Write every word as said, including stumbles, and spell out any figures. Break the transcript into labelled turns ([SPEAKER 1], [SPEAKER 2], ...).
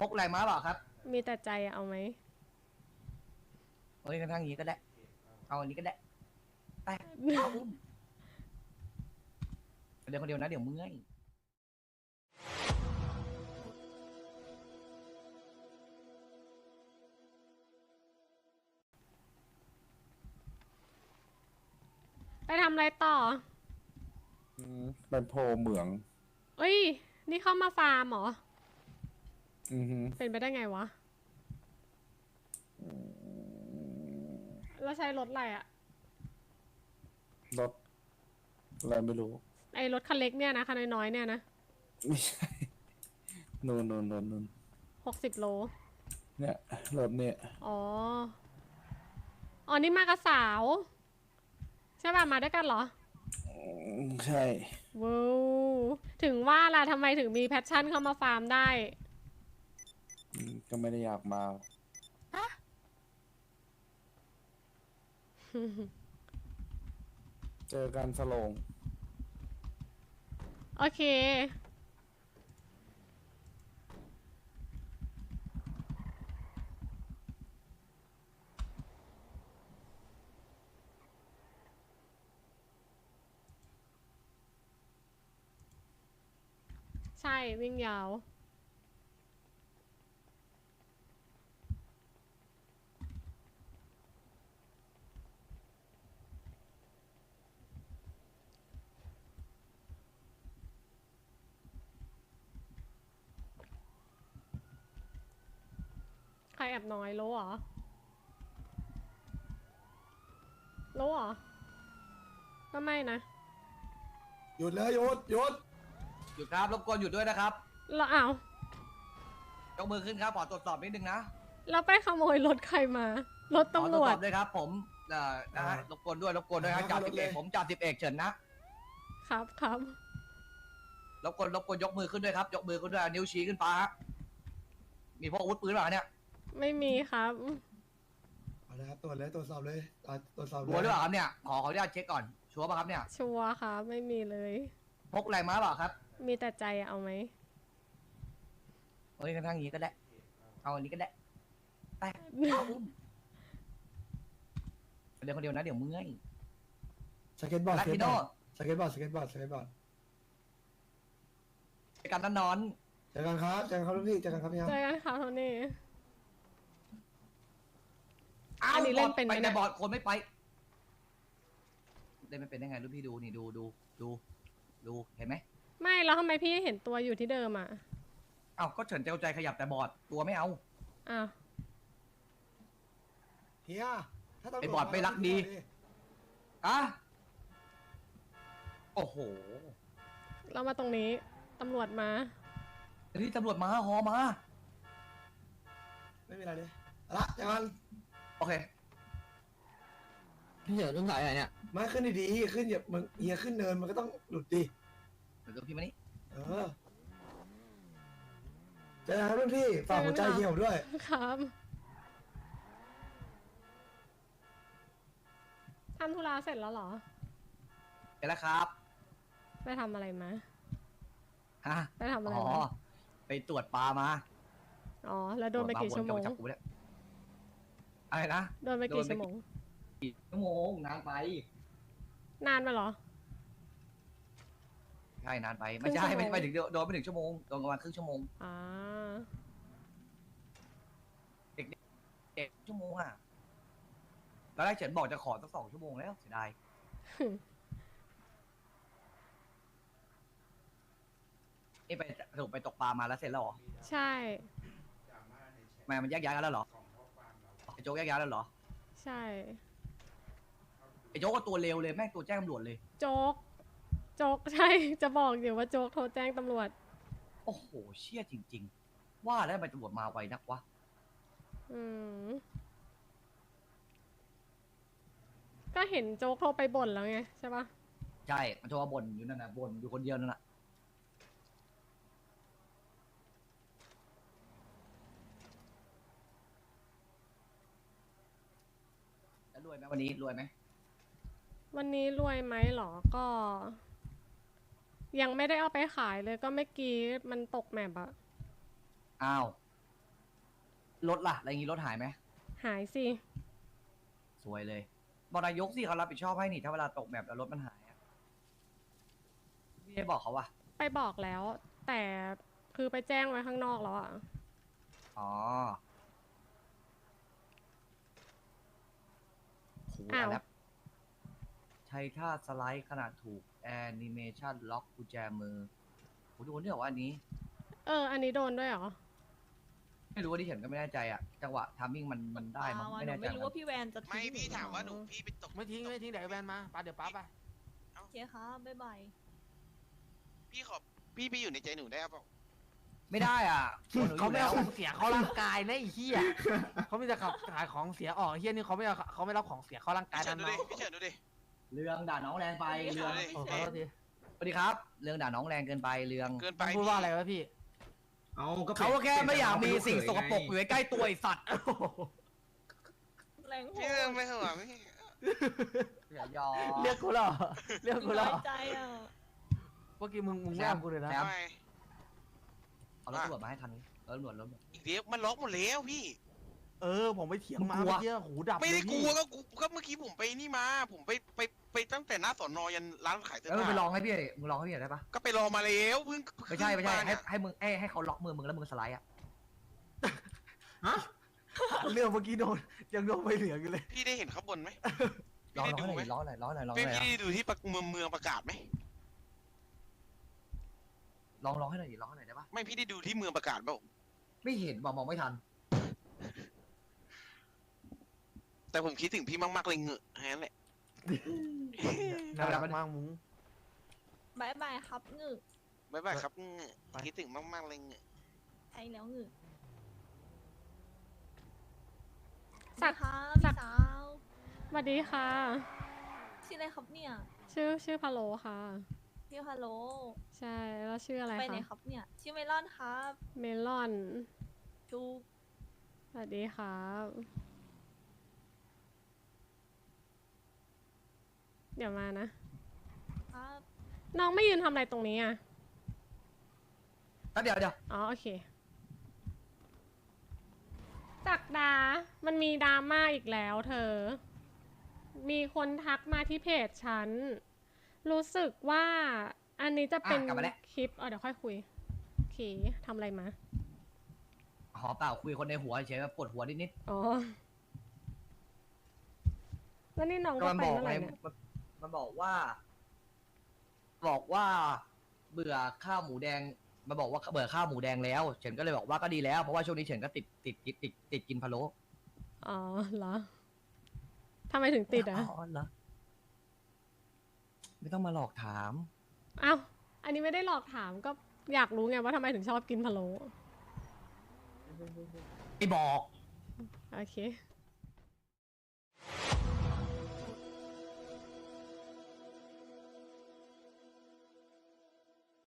[SPEAKER 1] พกอะไรมาเปล่าครับ
[SPEAKER 2] มีแต่ใจเอาไหม
[SPEAKER 1] เฮ้ยกระทั่งนี้ก็ได้เอาอันนี้ก็ได้ไปเอาอุ้มเดี๋ยวคนเดียวนะเดี๋ยวเมื่อย
[SPEAKER 2] ไปทำอะไรต่อ
[SPEAKER 3] อืมไปโพเหมือง
[SPEAKER 2] เอ้ย นี่เข้ามาฟาร์มเหรอ
[SPEAKER 3] อือฮึ
[SPEAKER 2] เป็นไปได้ไงวะ แล้วใช้รถอะไรอะ
[SPEAKER 3] รถอะไรไม่รู้
[SPEAKER 2] ไอรถคันเล็กเนี่ยนะคันน้อยๆเนี่ยนะ
[SPEAKER 3] ไม่ใช่ นูนนูนนูนนูน
[SPEAKER 2] หกสิบโล
[SPEAKER 3] เนี่ยรถเนี่ย
[SPEAKER 2] อ๋อ อ๋อ นี่มากับสาว ใช่ป่ะ มาด้วยกันเหรอ
[SPEAKER 3] อืมใช่
[SPEAKER 2] ว้าวถึงว่าล่ะทำไมถึงมีแพชชั่นเข้ามาฟาร์มได้
[SPEAKER 3] อืมก็ไม่ได้อยากมา เจอกันสโลง
[SPEAKER 2] โอเค ใช่ วิ่งยาว ใครแอบน้อยรู้เหรอรู้เหรอ ก็ไม่นะ
[SPEAKER 4] หยุดเลยหยุดหยุด
[SPEAKER 1] หยุดครับรบกวนหยุดด้วยนะครับ
[SPEAKER 2] แล้วอ้าวย
[SPEAKER 1] กมือขึ้นครับขอตรวจสอบนิดนึงนะ
[SPEAKER 2] แล้วไปขโมยรถใครมา รถ
[SPEAKER 1] ขอ
[SPEAKER 2] ตำ
[SPEAKER 1] ต
[SPEAKER 2] ร
[SPEAKER 1] รวจ
[SPEAKER 2] ว
[SPEAKER 1] ส
[SPEAKER 2] จ
[SPEAKER 1] อบด้วยครับ ผมเอ่อนะฮะรบกวนด้วยรบกวนด้วยครับจ่าสิบเอกผมจ่าสิบเอกเฉินนะครับ
[SPEAKER 2] ครับ
[SPEAKER 1] รบกวนรบกวนยกมือขึ้นด้วยครับ ยกมือขึ้นด้วยนิ้วชี้ขึ้นฟ้าฮะมีพวกอาวุธปืนเปล่าเนี่ย
[SPEAKER 2] ไม่มีครับ
[SPEAKER 4] เอาละครับตรวจเลยตรวจสอบเลยอ่าตรวจสอบเลย
[SPEAKER 1] หัวหรือเปล่าครับเนี่ยขอขออนุญาตเช็คก่อนชัวร์ป่ะครับเนี่ย
[SPEAKER 2] ชัวร์ครับ ไม่มีเลย
[SPEAKER 1] พกอะไรมาเปล่าครับ
[SPEAKER 2] มีแต่ใจเอาไหม
[SPEAKER 1] เฮ้ยกระทั่งนี้ก็ได้เอาอันนี้ก็ได้ไปเอาอุ้มเดี๋ยวคนเดียวนะเดี๋ยวเมื่อย
[SPEAKER 4] สเก็ตบอร์ด
[SPEAKER 1] ลา
[SPEAKER 4] สเก็
[SPEAKER 1] ติ
[SPEAKER 4] ต
[SPEAKER 1] โน
[SPEAKER 4] บอร์ดสเก็ตบอร์ดสเก็ตบอร์ดสเก็ตบอร์ด
[SPEAKER 1] ไปกันนอน
[SPEAKER 4] เจอกันครับเจอกันครับลูกพี่เจอกันครับพี่ครับ
[SPEAKER 2] เจอกันครับโทนี่
[SPEAKER 1] อ้าว
[SPEAKER 2] อันนี้เล่นเป็นไหม
[SPEAKER 1] ไป
[SPEAKER 2] เนี่
[SPEAKER 1] แต่
[SPEAKER 2] ย
[SPEAKER 1] บอร์ดคนไม่ไปเล่นไม่เป็นได้ไงลูกพี่ดูนี่ดูดูดูดูเห็นไหม
[SPEAKER 2] ไม่แล้วทำไมพี่เห็นตัวอยู่ที่เดิมอ่ะ
[SPEAKER 1] อ้าวก็เฉินเจ้าใจขยับแต่บอร์ดตัวไม่เอา
[SPEAKER 2] อ้าว
[SPEAKER 4] เฮียถ้าตำรวจ
[SPEAKER 1] ไอ้บอร์ดไม่รักดี อะโอ้โห
[SPEAKER 2] เรามาตรงนี้ ตำรวจมา
[SPEAKER 1] นี่ตำรวจมาฮอมา
[SPEAKER 4] ไม่มีอะไรเลยเอาละเจอกัน
[SPEAKER 1] โอเค
[SPEAKER 5] พี่เฉินต้องสายอะไรเนี่ย
[SPEAKER 4] มาขึ้นดีๆขึ้นอย่ามึงเฮียขึ้นเนินมันก็ต้องหลุดดิ
[SPEAKER 1] เดี๋ยวพี่มานี่
[SPEAKER 4] เออเจอกันครับรุ่นพี่ฝากหัวใจเฮียผมด้วย
[SPEAKER 2] ครับทำธุระเสร็จแล้วเหรอ
[SPEAKER 1] เสร็จแล้วครับ
[SPEAKER 2] ไปทำอะไรมา
[SPEAKER 1] ฮะ
[SPEAKER 2] ไปทำอะไร
[SPEAKER 1] อ๋อ
[SPEAKER 2] มา
[SPEAKER 1] ไปตรวจปลามา
[SPEAKER 2] อ๋อ แล้วโดนไปกี่ชั่วโมง
[SPEAKER 1] ตรจปลาวนกลับาจับกูเนี่ยอะไรนะ
[SPEAKER 2] โดนไปกี่ชั่วโมง
[SPEAKER 1] กี่ชั่วโมงนานไป
[SPEAKER 2] นานไปเหรอ
[SPEAKER 1] ใช่นานไปไม่ใช่
[SPEAKER 2] ครึ่งชั่วโมง
[SPEAKER 1] ไม่ไม่ถึงโดนไม่ถึงชั่วโมงโดนประมาณครึ่งชั่วโมง
[SPEAKER 2] อ่า
[SPEAKER 1] เอ็ดชั่วโมงอ่ะตอนแรกเฉินบอกจะขอสักสองชั่วโมงแล้วเสียดายนี่ไปสรุปไปตกปลามาแล้วเสร็จแล้วเหรอ
[SPEAKER 2] ใช่
[SPEAKER 1] ทำไมมันแยกย้ายกันแล้วเหรอไอ้โจ๊กแยกย้ายแล้วเหรอ
[SPEAKER 2] ใช่
[SPEAKER 1] ไอ้โจ๊กก็ตัวเร็วเลยแม่งตัวแจ้งตำรวจเลย
[SPEAKER 2] โจ๊ก โจ๊ก ใช่ จะบอกอยู่ว่าโจ๊กโทรแจ้งตำรวจ
[SPEAKER 1] โอ้โหเชี่ยจริง ๆ ว่าแล้วทำไมตำรวจมาไวนักวะ
[SPEAKER 2] อืม ก็เห็นโจ๊กโทรไปบ่นแล้วไงใช่ปะ
[SPEAKER 1] ใช่มันโทรมาบ่นอยู่นั่นน่ะบ่นอยู่คนเดียวนั่นน่ะแล้วรวยไหมวันนี้รวยไหม
[SPEAKER 2] วันนี้รวยไหมหรอ ก็ ยังไม่ได้เอาไปขายเลยก็เมื่อกี้มันตกแมปอะ
[SPEAKER 1] อ้าวรถล่ะอะไรอย่างงี้รถหายไหม
[SPEAKER 2] หายสิ
[SPEAKER 1] สวยเลยบอกนายกสิเขารับผิดชอบให้นี่ถ้าเวลาตกแบบแล้วรถมันหายอะพี่ได้บอกเขาว่า
[SPEAKER 2] ไปบอกแล้ว แต่คือไปแจ้งไว้ข้างนอกแล้วอ่ะ
[SPEAKER 1] อ๋อโห
[SPEAKER 2] อ้าว
[SPEAKER 1] แล้วใช้ท่าสไลด์ขนาดถูกแอนิเมชันล็อกกุญแจมือโหดูเนี่ยว่าอันนี้
[SPEAKER 2] เออ อันนี้โดนด้วยเหรอ
[SPEAKER 1] ไม่รู้ว่าที่เห็นก็ไม่แน่ใจอะจังหวะทามมิ่งมันมันได้มั้ง
[SPEAKER 5] อ่า
[SPEAKER 1] ไม่
[SPEAKER 5] หนู
[SPEAKER 1] แน่ใจ
[SPEAKER 5] ไม่รู้ว่าพี่แวนจะทิ้ง
[SPEAKER 6] ไม่พี่
[SPEAKER 5] นู
[SPEAKER 6] ถามว่าหนูพี่ไปตก
[SPEAKER 7] ไม่ทิ้งไม่ทิ้งเดี๋ยวไอ้แวนมาป้าเดี๋ยวป้าไป
[SPEAKER 5] โอเคครับบ๊ายบาย
[SPEAKER 6] พี่ขอพี่ไปอยู่ในใจหนูได้เปล่า
[SPEAKER 1] ไม่ได้อ่ะคนหนูอ
[SPEAKER 7] เขา
[SPEAKER 1] ยู่
[SPEAKER 7] ไม่
[SPEAKER 1] แล้
[SPEAKER 7] เอา
[SPEAKER 1] ว
[SPEAKER 7] ของเสียเข้าร่างกายนะไอ้เหี้ยเขามีแต่ขับขายของเสียออกไอ้เหี้ยนี่เขาไม่เอาเขาไม่รับของเสียเข้าร่างกาย
[SPEAKER 6] พี่เฉิ
[SPEAKER 7] นั่
[SPEAKER 6] น
[SPEAKER 7] น
[SPEAKER 6] ดู
[SPEAKER 7] เนาะ
[SPEAKER 6] ดิพี่เฉินดูดิ
[SPEAKER 1] เรืองด่าน้องแรงไปเรือง
[SPEAKER 6] ไม่
[SPEAKER 7] โอ้
[SPEAKER 6] ใช่
[SPEAKER 7] ขอโทษที
[SPEAKER 1] สวัสดีครับ เรืองด่าน้องแรงเกินไปเรือง
[SPEAKER 6] เกินไป
[SPEAKER 7] มันพูดว่าอะไรวะพี่
[SPEAKER 3] เอาก็
[SPEAKER 1] เขาก็แค่ไม่อยากมีสิ่งสกปรกอยู่ใกล้ๆตัวไอสัตว์
[SPEAKER 5] แรงโห
[SPEAKER 6] พี่เรื่องไม่เหรอพี่
[SPEAKER 1] อย่ายอ
[SPEAKER 7] เรียกกูเหรอเรียกกูเหร
[SPEAKER 5] น้
[SPEAKER 7] อ
[SPEAKER 5] อยใจอ่ะ
[SPEAKER 7] เมื่อกี้มึงมึงไม่เอากูเลยนะ
[SPEAKER 1] แซม
[SPEAKER 6] ทำไม
[SPEAKER 1] เอารถตำรวจมาให้คันนี้รถตำรวจรถตำรวจ
[SPEAKER 6] อีกเดียวมันล็อกหมดแล้วพี่
[SPEAKER 7] เออผมไปเถียงมา
[SPEAKER 1] มึงกลัว
[SPEAKER 7] เมื่อกี้หูดับ
[SPEAKER 6] ไม่ได้
[SPEAKER 7] เลย
[SPEAKER 6] ก
[SPEAKER 7] พี่
[SPEAKER 6] ลัวก็กูก็เมื่อกี้ผมไปนี่มา ผมไปไปไปตั้งแต่หน้าสอนอยันร้านขายเสื้อ
[SPEAKER 1] แล้วมึง
[SPEAKER 6] ผ้า
[SPEAKER 1] ไปลองให้พี่มึงลองให้พี่หน่อยได้ปะ
[SPEAKER 6] ก็ไปรอมาแล้วเพิ่ง
[SPEAKER 1] ไม่ใช่ไม่ใช่
[SPEAKER 6] เพิ่งา
[SPEAKER 1] ให้
[SPEAKER 6] เนี่ย
[SPEAKER 1] ให้มึงให้ให้เขาล็อกมือมึงแล้วมึงสไลด์อ่ะ
[SPEAKER 7] เรื่องเมื่อกี้โดนยังโดนไม่เหลืออยู่เลย
[SPEAKER 6] พี่ได้เห็นข้างบนไหม
[SPEAKER 1] ลอง
[SPEAKER 6] พี่
[SPEAKER 1] ล
[SPEAKER 6] ได้
[SPEAKER 1] อง
[SPEAKER 6] ดู
[SPEAKER 1] ให้ห
[SPEAKER 6] ไหม
[SPEAKER 1] น่อยลองหน่อยลองหน่อยลองห
[SPEAKER 6] พี่
[SPEAKER 1] น่อย
[SPEAKER 6] พี่ได้ดูที่ประเมืองเมืองประกาศไหม
[SPEAKER 1] ลองลองให้หน่อยดิลองให้หน่อยได้ปะ
[SPEAKER 6] ไม่พี่ได้ดูที่เมืองประกาศเปล่า
[SPEAKER 1] ไม่เห็นบอกมองไม่ทัน
[SPEAKER 6] แต่ผมคิดถึงพี่มากๆเลยเหงอะแค่นั้นแหละ
[SPEAKER 7] น่ารักมากมุ้ง
[SPEAKER 5] บ๊ายบายครับงึก
[SPEAKER 6] บ๊ายบายครับเหงอะ
[SPEAKER 7] ไป
[SPEAKER 6] คิดถึงมากๆเลยเหงอะ
[SPEAKER 5] ใช่แล้วงึก
[SPEAKER 2] สัก
[SPEAKER 5] ครับ
[SPEAKER 2] สั
[SPEAKER 5] พี่
[SPEAKER 2] ก
[SPEAKER 5] สาว
[SPEAKER 2] สวัสดีค่ะ
[SPEAKER 5] ชื่ออะไรครับเนี่ย
[SPEAKER 2] ชื่อชื่อพะโลค่ะ
[SPEAKER 5] พี่ฮัลโหล
[SPEAKER 2] ใช่ แล้วชื่ออะไร
[SPEAKER 5] ไปไหน
[SPEAKER 2] คะ
[SPEAKER 5] ครับเนี่ยชื่อเมลอนครับ
[SPEAKER 2] เมลอน
[SPEAKER 5] จูก
[SPEAKER 2] สวัสดีครับ เดี๋ยวมานะ
[SPEAKER 5] ครับ
[SPEAKER 2] น้องไม่ยืนทำอะไรตรงนี้อ่ะ
[SPEAKER 1] แป๊บเดียวเดี๋ยว
[SPEAKER 2] อ๋อโอเคจักดา มันมีดราม่าอีกแล้วเธอ มีคนทักมาที่เพจฉัน รู้สึกว่าอันนี้จะเป็น
[SPEAKER 1] อ่ะกลับมาแล้ว
[SPEAKER 2] คลิปเออเดี๋ยวค่อยคุยโอเคทำอะไรมา
[SPEAKER 1] หอเปล่าคุยคนในหัวเฉยๆปวดหัวนิดนิด
[SPEAKER 2] อ๋อ แล้วนี่น้อง
[SPEAKER 1] ๆก็
[SPEAKER 2] ก็
[SPEAKER 1] มัน
[SPEAKER 2] ไป
[SPEAKER 1] บอก
[SPEAKER 2] เมื่อไห
[SPEAKER 1] ไง
[SPEAKER 2] ร่เนี่ย
[SPEAKER 1] มันมันบอกว่า บอกว่า เบื่อข้าวหมูแดงมาบอกว่าเบื่อข้าวหมูแดงแล้ว เฉินก็เลยบอกว่าก็ดีแล้วเพราะว่าช่วงนี้เฉินก็ติดติดติดติดติดกินพะโล้
[SPEAKER 2] อ๋อเหรอทำไมถึงติดอ่ะ
[SPEAKER 1] อ๋อเหรอไม่ต้องมาหลอกถาม
[SPEAKER 2] อ้าว อันนี้ไม่ได้หลอกถามก็อยากรู้ไงว่าทำไมถึงชอบกินพะโล้
[SPEAKER 1] ไม่บอก
[SPEAKER 2] โอเค